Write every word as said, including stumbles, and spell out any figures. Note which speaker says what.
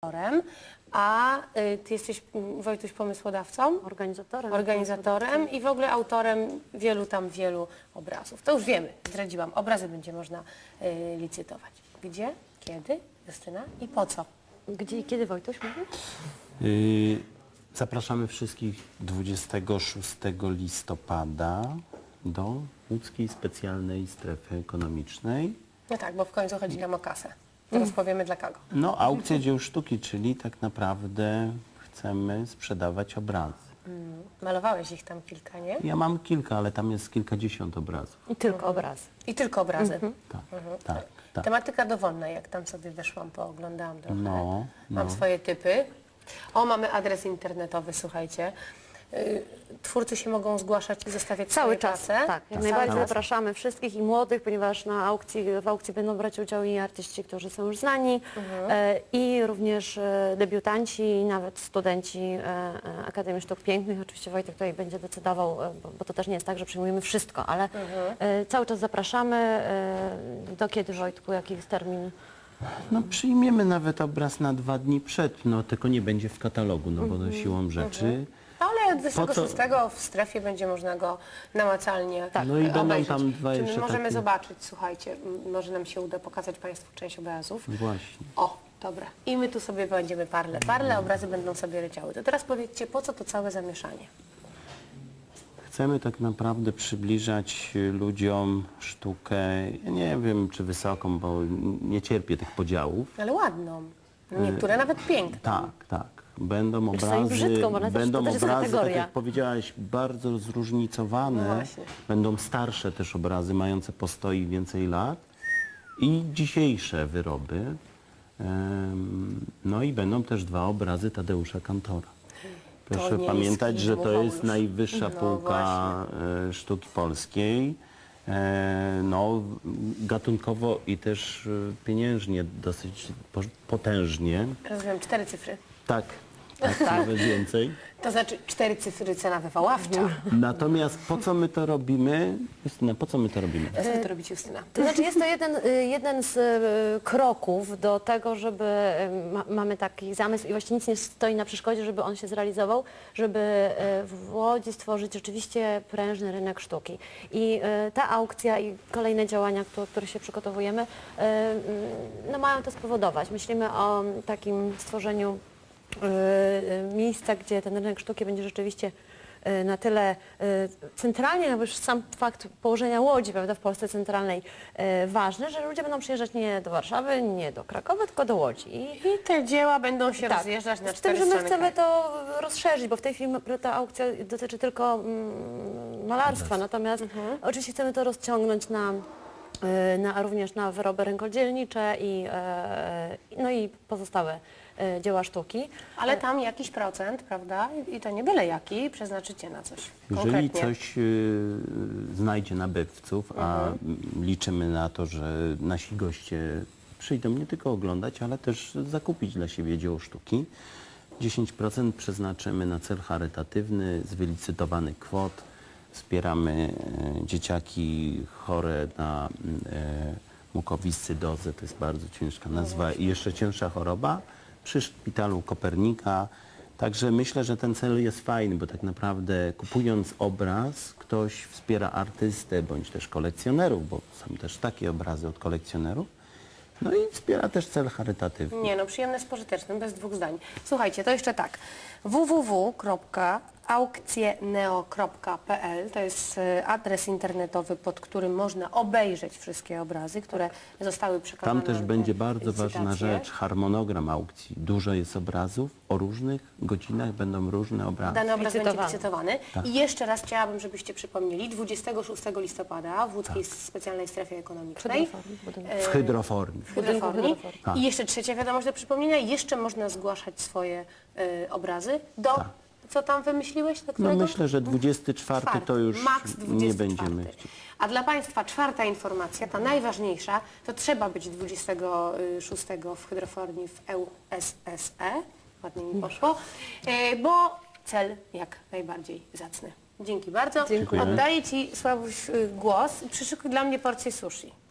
Speaker 1: organizatorem, a y, ty jesteś, mm, Wojtuś, pomysłodawcą,
Speaker 2: Organizatorem.
Speaker 1: organizatorem i w ogóle autorem wielu tam wielu obrazów. To już wiemy, zdradziłam. Obrazy będzie można y, licytować. Gdzie, kiedy, Justyna i po co?
Speaker 2: Gdzie i kiedy, Wojtuś, mówił?
Speaker 3: Yy, zapraszamy wszystkich dwudziestego szóstego listopada do Łódzkiej Specjalnej Strefy Ekonomicznej.
Speaker 1: No tak, bo w końcu chodzi nam o kasę. Teraz powiemy dla kogo.
Speaker 3: No, aukcja dzieł sztuki, czyli tak naprawdę chcemy sprzedawać obrazy.
Speaker 1: Mm, malowałeś ich tam kilka, nie?
Speaker 3: Ja mam kilka, ale tam jest kilkadziesiąt obrazów.
Speaker 2: I tylko obrazy.
Speaker 1: I tylko obrazy.
Speaker 3: Tak, tak, tak.
Speaker 1: Tematyka dowolna, jak tam sobie weszłam, pooglądałam trochę.
Speaker 3: No,
Speaker 1: Mam
Speaker 3: no.
Speaker 1: swoje typy. O, mamy adres internetowy, słuchajcie. Y, Twórcy się mogą zgłaszać i zostawiać
Speaker 2: Cały
Speaker 1: swoje
Speaker 2: czas,
Speaker 1: prace.
Speaker 2: tak. Jak
Speaker 1: Cały
Speaker 2: najbardziej
Speaker 1: czas.
Speaker 2: zapraszamy wszystkich i młodych, ponieważ na aukcji, w aukcji będą brać udział i artyści, którzy są już znani, e, i również e, debiutanci, i nawet studenci e, e, Akademii Sztuk Pięknych. Oczywiście Wojtek tutaj będzie decydował, e, bo, bo to też nie jest tak, że przyjmujemy wszystko, ale e, cały czas zapraszamy. E, do kiedy, Wojtku, jaki jest termin?
Speaker 3: No, przyjmiemy nawet obraz na dwa dni przed, no tylko nie będzie w katalogu, no bo to siłą rzeczy.
Speaker 1: Ale dwudziestego
Speaker 3: Po co-
Speaker 1: szóstego w strefie będzie można go namacalnie
Speaker 3: Tak. No i będą
Speaker 1: obejrzeć.
Speaker 3: tam dwa
Speaker 1: Czy my
Speaker 3: jeszcze
Speaker 1: możemy
Speaker 3: takie-
Speaker 1: zobaczyć, słuchajcie, m, może nam się uda pokazać Państwu część obrazów.
Speaker 3: Właśnie.
Speaker 1: O, dobra. I my tu sobie będziemy parle, parle, obrazy będą sobie leciały. To teraz powiedzcie, po co to całe zamieszanie?
Speaker 3: Chcemy tak naprawdę przybliżać ludziom sztukę, ja nie wiem czy wysoką, bo nie cierpię tych podziałów.
Speaker 1: Ale ładną. Niektóre nawet piękne.
Speaker 3: Tak, tak. Będą
Speaker 2: Czasami
Speaker 3: obrazy,
Speaker 2: brzydko, bo nawet
Speaker 3: będą
Speaker 2: to też jest
Speaker 3: obrazy, tak
Speaker 2: kategoria.
Speaker 3: jak powiedziałaś, bardzo zróżnicowane.
Speaker 1: No właśnie.
Speaker 3: Będą starsze też obrazy, mające postoi więcej lat i dzisiejsze wyroby. Em, No i będą też dwa obrazy Tadeusza Kantora. Proszę
Speaker 1: nie
Speaker 3: pamiętać,
Speaker 1: jest
Speaker 3: że
Speaker 1: film,
Speaker 3: to
Speaker 1: Michał
Speaker 3: jest
Speaker 1: już.
Speaker 3: najwyższa
Speaker 1: No
Speaker 3: półka e, sztuki polskiej. E, No, gatunkowo i też e, pieniężnie dosyć po- potężnie.
Speaker 1: Rozumiem, cztery cyfry.
Speaker 3: Tak, tak, nawet więcej.
Speaker 1: To znaczy cztery cyfry cena wywoławcza.
Speaker 2: Mhm.
Speaker 3: Natomiast po co my to robimy? Justyna, po co my to robimy?
Speaker 1: Co wy to robicie, Justyna?
Speaker 2: To znaczy jest to jeden, y, jeden z y, kroków do tego, żeby y, ma, mamy taki zamysł i właściwie nic nie stoi na przeszkodzie, żeby on się zrealizował, żeby y, w Łodzi stworzyć rzeczywiście prężny rynek sztuki. I y, ta aukcja i kolejne działania, które, które się przygotowujemy, y, y, no mają to spowodować. Myślimy o takim stworzeniu y, y, miejsca, gdzie ten rynek sztuki będzie rzeczywiście y, na tyle y, centralnie, no bo już sam fakt położenia Łodzi, prawda, w Polsce centralnej y, ważny, że ludzie będą przyjeżdżać nie do Warszawy, nie do Krakowa, tylko do Łodzi. I
Speaker 1: I te dzieła będą się rozjeżdżać na
Speaker 2: z tym,
Speaker 1: cztery
Speaker 2: że my
Speaker 1: strony
Speaker 2: chcemy
Speaker 1: kraju.
Speaker 2: to rozszerzyć, bo w tej chwili ta aukcja dotyczy tylko mm, malarstwa, natomiast oczywiście chcemy to rozciągnąć na, y, na również na wyroby rękodzielnicze i, e, no i pozostałe e, dzieła sztuki.
Speaker 1: Ale tam jakiś procent, prawda? I to nie byle jaki, przeznaczycie na coś
Speaker 3: Jeżeli
Speaker 1: konkretnie.
Speaker 3: coś y, znajdzie nabywców, a
Speaker 1: Mhm.
Speaker 3: m, liczymy na to, że nasi goście przyjdą nie tylko oglądać, ale też zakupić dla siebie dzieło sztuki, dziesięć procent przeznaczymy na cel charytatywny z wylicytowanych kwot. Wspieramy e, dzieciaki chore na e, mukowiscydozę, to jest bardzo ciężka nazwa i jeszcze cięższa choroba, przy szpitalu Kopernika. Także myślę, że ten cel jest fajny, bo tak naprawdę kupując obraz, ktoś wspiera artystę bądź też kolekcjonerów, bo są też takie obrazy od kolekcjonerów. No i wspiera też cel charytatywny.
Speaker 1: Nie no, przyjemne z pożytecznym, bez dwóch zdań. Słuchajcie, to jeszcze tak. w w w kropka aukcjeneo kropka p l to jest e, adres internetowy, pod którym można obejrzeć wszystkie obrazy, które zostały przekazane.
Speaker 3: Tam też
Speaker 1: na
Speaker 3: będzie bardzo
Speaker 1: licytację.
Speaker 3: ważna rzecz, harmonogram aukcji. Dużo jest obrazów, o różnych godzinach będą różne obrazy.
Speaker 1: Dany obraz będzie
Speaker 2: Licytowany.
Speaker 1: licytowany.
Speaker 3: Tak.
Speaker 1: I jeszcze raz chciałabym, żebyście przypomnieli, dwudziestego szóstego listopada w Łódzkiej Specjalnej Strefie Ekonomicznej.
Speaker 2: Hydroform, budynek.
Speaker 1: e,
Speaker 3: W hydroformii.
Speaker 1: w hydroformii.
Speaker 2: hydroformii.
Speaker 3: Tak.
Speaker 1: I jeszcze trzecia wiadomość do przypomnienia, jeszcze można zgłaszać swoje e, obrazy do...
Speaker 3: Tak.
Speaker 1: Co tam wymyśliłeś? Do
Speaker 3: No
Speaker 1: którego?
Speaker 3: myślę, że dwudziesty czwarty to już
Speaker 1: Max
Speaker 3: nie
Speaker 1: dwudziesty
Speaker 3: będziemy
Speaker 1: czwarty.
Speaker 3: chcieli.
Speaker 1: A dla Państwa czwarta informacja, ta najważniejsza, to trzeba być dwudziestego szóstego w hydroformii w E U S S E, ładnie mi poszło, e, bo cel jak najbardziej zacny. Dzięki bardzo.
Speaker 2: Dziękuję.
Speaker 1: Oddaję Ci, Sławuś, y, głos i przyszykuj dla mnie porcję sushi.